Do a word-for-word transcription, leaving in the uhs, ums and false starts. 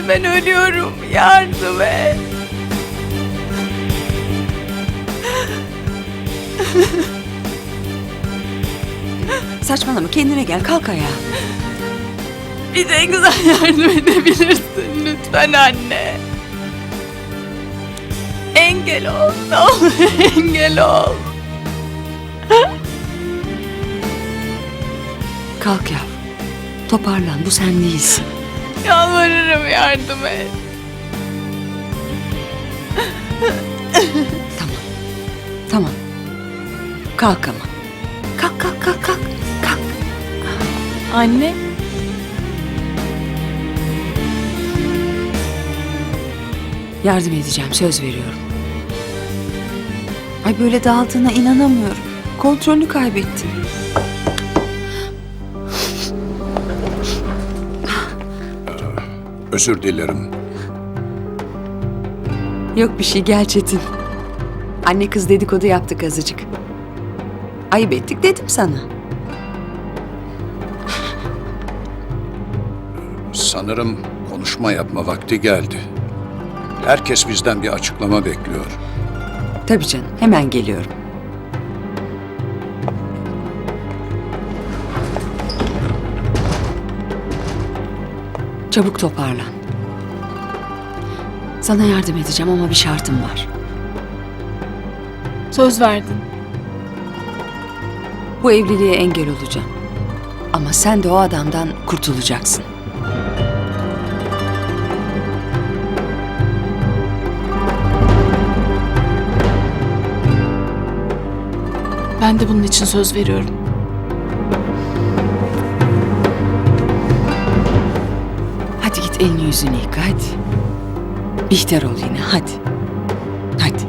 ben ölüyorum. Yardım et. Saçmalama, kendine gel, kalk ayağa. Bir tek sen yardım edebilirsin lütfen anne. Engel ol, ne olur engel ol. Kalk yavrum. Toparlan, bu sen değilsin. Yalvarırım yardım et. Tamam. Tamam. Kalk ama. Kalk kalk kalk kalk. Kalk. Anne. Yardım edeceğim, söz veriyorum. Ay böyle dağıldığına inanamıyorum. Kontrolünü kaybettin. Özür dilerim. Yok bir şey, gel Çetin. Anne kız dedikodu yaptık azıcık. Ayıp ettik dedim sana. Sanırım konuşma yapma vakti geldi. Herkes bizden bir açıklama bekliyor. Tabii canım, hemen geliyorum. Çabuk toparlan. Sana yardım edeceğim ama bir şartım var. Söz verdin. Bu evliliğe engel olacağım. Ama sen de o adamdan kurtulacaksın. Ben de bunun için söz veriyorum. Hadi git elini yüzünü yıka hadi. Bihter ol yine hadi. Hadi.